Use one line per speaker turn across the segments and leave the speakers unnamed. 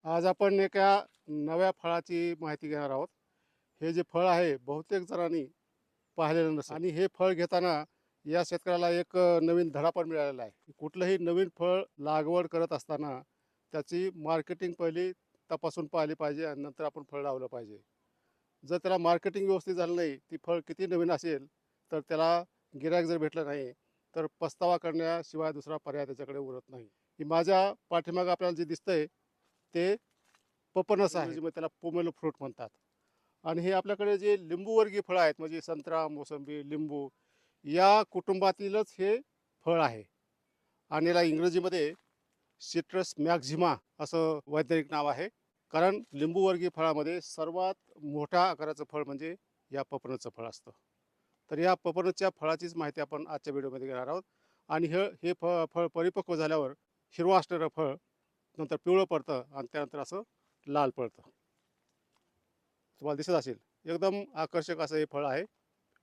आज आपण एका नव्या फळाची माहिती घेणार आहोत. हे जे फळ आहे बहुतेक जणांनी पाहिलेलं नसेल आणि हे फळ घेताना या शेतकऱ्याला एक नवीन धडा पण मिळालेला आहे. कुठलंही नवीन फळ लागवड करत असताना त्याची मार्केटिंग पहिली तपासून पाहिली पाहिजे आणि नंतर आपण फळ लावलं पाहिजे. जर त्याला मार्केटिंग व्यवस्थित झालं नाही, ती फळ किती नवीन असेल तर त्याला गिराईक जर भेटलं नाही तर पस्तावा करण्याशिवाय दुसरा पर्याय त्याच्याकडे उरत नाही. की माझ्या पाठीमागं आपल्याला जे दिसतंय ते पपनस आहे, इंग्रजीमध्ये त्याला पोमेलो फ्रूट म्हणतात. आणि हे आपल्याकडे जे लिंबूवर्गीय फळं आहेत म्हणजे संत्रा, मोसंबी, लिंबू या कुटुंबातीलच हे फळ आहे. आणि याला इंग्रजीमध्ये सिट्रस मॅक्झिमा असं वैज्ञानिक नाव आहे. कारण लिंबूवर्गीय फळामध्ये सर्वात मोठ्या आकाराचं फळ म्हणजे या पपनसचं फळ असतं. तर या पपनसच्या फळाचीच माहिती आपण आजच्या व्हिडिओमध्ये घेणार आहोत. आणि हे फळ परिपक्व झाल्यावर हिरवं असणारं फळ नंतर पिवळं पडतं आणि त्यानंतर असं लाल पडतं. तुम्हाला दिसत असेल एकदम आकर्षक असं हे फळ आहे.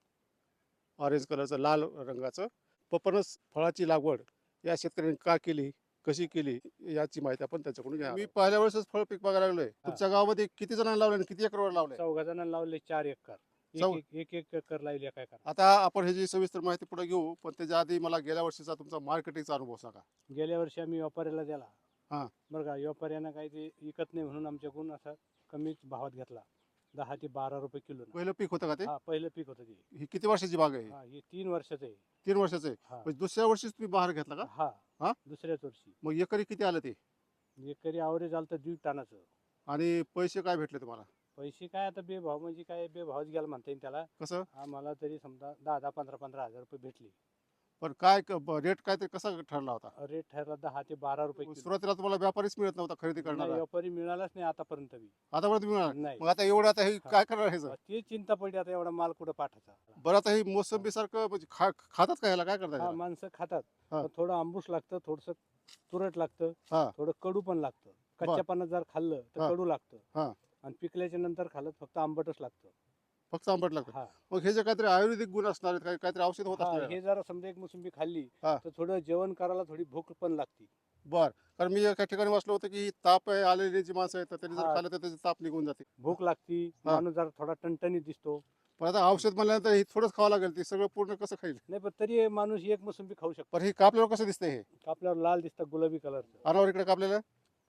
ऑरेंज कलरचं, लाल रंगाचं. पपनस फळाची लागवड या शेतकऱ्यांनी का केली, कशी केली याची माहिती आपण त्याच्याकडून घ्या. मी पहिल्या वेळेसच फळ पीक बघायला लागलोय. तुमच्या गावामध्ये किती जणांना लावले आणि किती एकरवर लावले?
14 जणांना लावले 4 एकर.
चौ
एक एकर लावली एका एकर.
आता आपण ह्याची सविस्तर माहिती पुढे घेऊ, पण त्याच्या आधी मला गेल्या वर्षीचा तुमचा मार्केटिंगचा अनुभव सांगा.
गेल्या वर्षी आम्ही व्यापाऱ्याला दिला.
हां.
बरं का, व्यापाऱ्यानं काही ते विकत नाही म्हणून आमच्याकडून असा कमीच भावात घेतला. 10 ते 12 रुपये किलो.
पहिलं पीक होतं का ते?
हा, पहिलं पीक होतं ते.
ही किती वर्षाची बाग आहे?
हा, हे 3 वर्षाचं आहे.
3 वर्षाचं आहे.
हा
म्हणजे दुसऱ्या वर्षीच तुम्ही बहार घेतला का?
हा
हा?
दुसऱ्याच वर्षी.
मग एकरी किती आलं ते?
एकरी आवरेज आलं तर 1.5 टनाचं.
आणि पैसे काय भेटले तुम्हाला?
पैसे काय आता बेभाव म्हणजे काय बेभावच गेला म्हणता येईल त्याला.
कसं?
आम्हाला तरी समजा 10 15 हजार रुपये भेटले.
पण काय रेट काय ते कसा ठरला होता?
रेट ठरला 10 ते 12 रुपये किलो.
सुरुवातीला तुम्हाला व्यापारीच मिळत नव्हता खरेदी
नाही,
करणारा?
व्यापारी मिळालाच नाही आतापर्यंत बी.
आतापर्यंत मिळणार?
नाही.
मग आता एवढं आता हे काय करणार ह्याचं?
ती चिंता पडली आता एवढा माल कुठं पाठायचा.
बरं आता ही मोसंबी सारखं म्हणजे खातात का ह्याला, काय करतात
हा,
ह्याला?
माणसं खातात.
हा.
पण थोडं आंबूस लागतं, थोडस तुरट लागतं,
हा.
थोडं कडू पण लागतं.
बर.
कच्च्या पानात जर खाल्लं तर
हा.
कडू लागतं.
हा.
आणि पिकल्याच्या नंतर खाल्लं फक्त आंबटच लागतं.
फक्त आंबट लागतं?
हा
मग हे जे काहीतरी आयुर्वेदिक गुण असणार आहेत, काहीतरी औषध होत
हा,
असणार याला?
हे जर समजा एक मोसंबी खाल्ली
हा.
तर थोडं जेवण करायला थोडी भूक पण लागते.
बर. कारण मी एका ठिकाणी वाचलं होतं की ताप आलेली जी माणसं आहेत तर त्यांनी जर
हा.
खाल्लं तर त्याची ताप निघून जाते.
भूक लागती,
हा.
माणूस जरा थोडा टणटणीत दिसतो.
पण आता औषध म्हणल्यानंतर हे थोडंच खावं लागेल, ते सगळं पूर्ण कसं खाईल?
नाही, पण तरी माणूस एक मोसंबी खाऊ शकतो.
पण हे कापल्यावर कसं दिसतंय हे?
आपल्यावर लाल दिसतं, गुलाबी कलरचं.
अनावर इकडे कापलेलं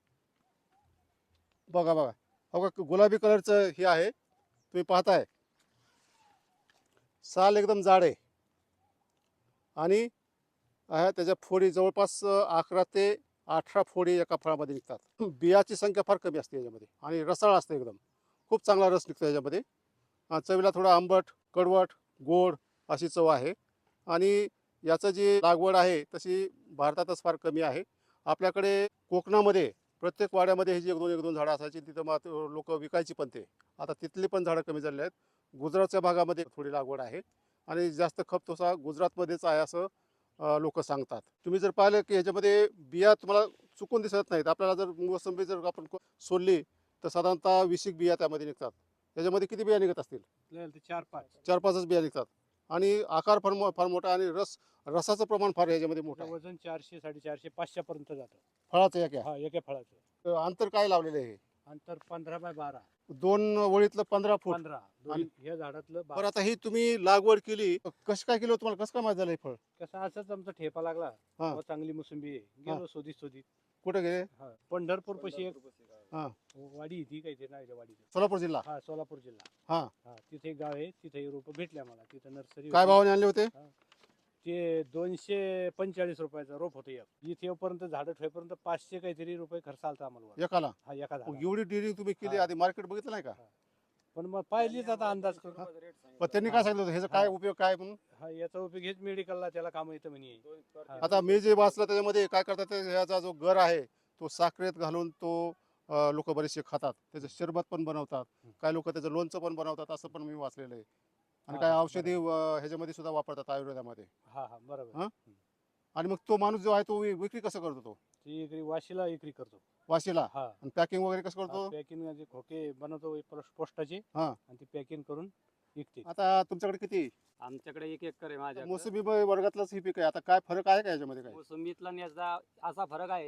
बघा बघा. हो का, गुलाबी कलरचं हे आहे, तुम्ही पाहताय. साल एकदम जाड आहे आणि त्याच्या फोडी जवळपास 11 ते 18 फोडी एका फळामध्ये निघतात. बियाची संख्या फार कमी असते याच्यामध्ये आणि रसाळ असते एकदम. खूप चांगला रस निघतो याच्यामध्ये. चवीला थोडा आंबट, कडवट, गोड अशी चव आहे. आणि याचं जी लागवड आहे तशी भारतातच फार कमी आहे. आपल्याकडे कोकणामध्ये प्रत्येक वाड्यामध्ये ही जी 1-2 झाडं असायची, तिथं मग लोक विकायची पण ते. आता तिथली पण झाडं कमी झालेली आहेत. गुजरातच्या भागामध्ये थोडी लागवड आहे आणि जास्त खप तसा गुजरातमध्येच आहे असं लोक सांगतात. तुम्ही जर पाहिलं की ह्याच्यामध्ये बिया तुम्हाला चुकून दिसत नाहीत. आपल्याला जर मोसंबी जर आपण सोडली तर साधारणतः 20 बिया त्यामध्ये निघतात. त्याच्यामध्ये किती बिया निघत असतील?
4-5
4-5च बिया निघतात. आणि आकार फार मोठा आणि रसाचं प्रमाण फार याच्यामध्ये मोठं आहे.
वजन 400 450 500 पर्यंत जातं.
फळाचं एक
हा, एका फळाचं
अंतर काय लावलेलं आहे?
अंतर 15 बाय 12.
2 ओळीतलं 15 फूट.
15 दोन्ही ह्या झाडातलं
बरं, आता ही तुम्ही लागवड केली कसं काय केलं, तुम्हाला कसं काय माहित झालं हे फळ?
कसं असंच आमचा ठेपा लागला.
हा.
अहो, चांगली मोसंबी आहे. गेलो शोधीत.
कुठे गेले?
हा, पंढरपूर पाशी एक
हा.
वाडी ती काही नाही वाडीचं.
सोलापूर जिल्हा.
हा, सोलापूर जिल्हा.
हा.
हा, तिथे एक गाव आहे, तिथे रोप भेटले आम्हाला. तिथे नर्सरी
काय भावाने आणले होते?
ते 245 रुपयाचं रोप होतं एक. इथे येऊपर्यंत झाडं ठेवेपर्यंत 500 काहीतरी रुपये खर्च आलता आम्हाला.
एकाला?
हा, एका
मग
झाडाला.
एवढी डिरिंग तुम्ही केली,
हा.
आधी मार्केट बघितलं नाही का?
पण मग पाहिलीच आता अंदाज करून.
पण त्यांनी काय सांगितलं होतं ह्याचा काय उपयोग काय म्हणून?
हा, याचा उपयोग हेच मेडिकलला त्याला काम येतं म्हणे. हा.
आता मी जे वाचलं त्याच्यामध्ये काय करतात ते, ह्याचा जो गर आहे तो साखरेत घालून तो लोक बरेचसे खातात. त्याचं शरबत पण बनवतात. काही लोक त्याचं लोणचं पण बनवतात असं पण मी वाचलेलं आहे. आणि
हा,
काय
हा,
औषधी ह्याच्यामध्ये सुद्धा वापरतात आयुर्वेदामध्ये.
हा हा, बरोबर.
हा? आणि मग तो माणूस जो आहे तो विक्री कसं करतो? तो
ती इकडे वाशीला विक्री करतो.
वाशीला?
हा.
आणि पॅकिंग वगैरे कसं करतो?
पॅकिंग म्हणजे खोके बनवतो पोस्टाचे
हा.
आणि ती पॅकिंग करून विकते.
आता तुमच्याकडे किती?
आमच्याकडे 1 एकर आहे माझ्याकडे.
मोसंबी वर्गातलंच ही पीक आहे. आता काय फरक आहे का याच्यामध्ये? काय
मोसंबीतला आणि याचा असा फरक आहे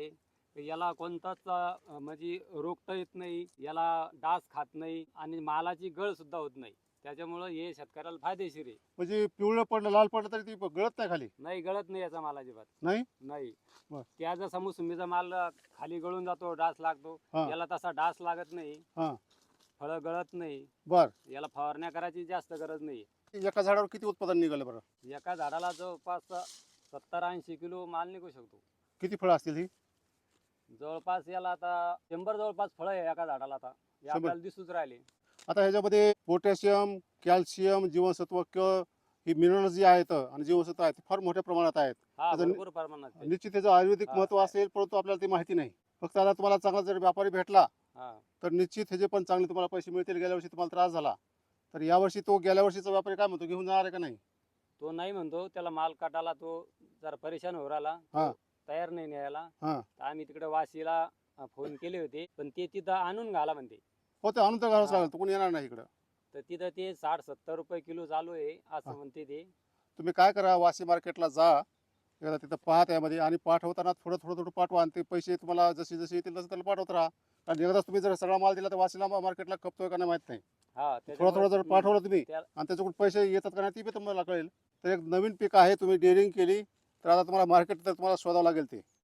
याला कोणताच म्हणजे रोगता येत नाही, याला डास खात नाही आणि मालाची गळ सुद्धा होत नाही. त्याच्यामुळं हे शेतकऱ्याला फायदेशीर आहे.
म्हणजे पिवळं पडलं लाल पडलं तरी ती गळत नाही खाली?
नाही गळत नाही याचा माल अजिबात.
नाही?
नाही.
बर.
त्या जसा मोसंबीचा माल खाली गळून जातो, डास लागतो,
हा.
याला तसा डास लागत नाही,
हा.
फळं गळत नाही,
बर.
याला फवारण्या करायची जास्त गरज नाही.
एका झाडावर किती उत्पादन निघालं बरं?
एका झाडाला जवळपास 70-80 किलो माल निघू शकतो.
किती फळं असतील ही?
जवळपास याला आता 100 जवळपास फळं आहे एका झाडाला. आता हे
100?
आपल्याला दिसूच राहिले.
आता ह्याच्यामध्ये पोटॅशियम, कॅल्शियम, जीवनसत्व क ही मिनरल्स जी आहेत आणि जीवनसत्व आहेत ते फार मोठ्या प्रमाणात आहेत.
हा
आता
भरपूर प्रमाणात आहे.
निश्चित त्याचं आयुर्वेदिक
हा,
महत्व
आहे.
असेल, परंतु आपल्याला ते माहिती नाही. फक्त आता तुम्हाला चांगला जर व्यापारी भेटला
हा.
तर निश्चित ह्याचे पण चांगले तुम्हाला पैसे मिळतील. गेल्या वर्षी तुम्हाला त्रास झाला तर यावर्षी तो गेल्या वर्षीचा व्यापारी काय म्हणतो, घेऊन जाणार आहे का नाही?
तो नाही म्हणतो, त्याला माल काटाला तो जरा परेशान होऊ राहिला,
हा.
तो तयार नाही न्यायला.
हा.
तर आम्ही तिकडे वाशीला फोन केले होते, पण ते तिथं आणून घाला म्हणते.
हो, ते आणून तर घालावंच
हा.
लागेल, तो कोणी येणार नाही इकडं.
तर तिथं ते 60-70 रुपये किलो चालू आहे
हा.
असं म्हणते ते.
तुम्ही काय करा, वाशी मार्केटला जा, एकदा तिथं पाहा त्यामध्ये, आणि पाठवताना थोडं थोडं थोडं पाठवा आणि ते पैसे तुम्हाला जसे जसे येतील तसं त्याला पाठवत राहा. आणि एकदाच तुम्ही जर सगळा माल दिला तर वाशीला मार्केटला खपतोय का नाही माहित नाही.
हा
थोडं थोडं जर पाठवलं तुम्ही
त्या-
आणि त्याच्याकडून पैसे येतात का नाही ती बी तुम्हाला कळेल. तर एक नवीन पीक आहे, तुम्ही डेअरिंग केली तर आता तुम्हाला मार्केट तर तुम्हाला शोधावं लागेल ते.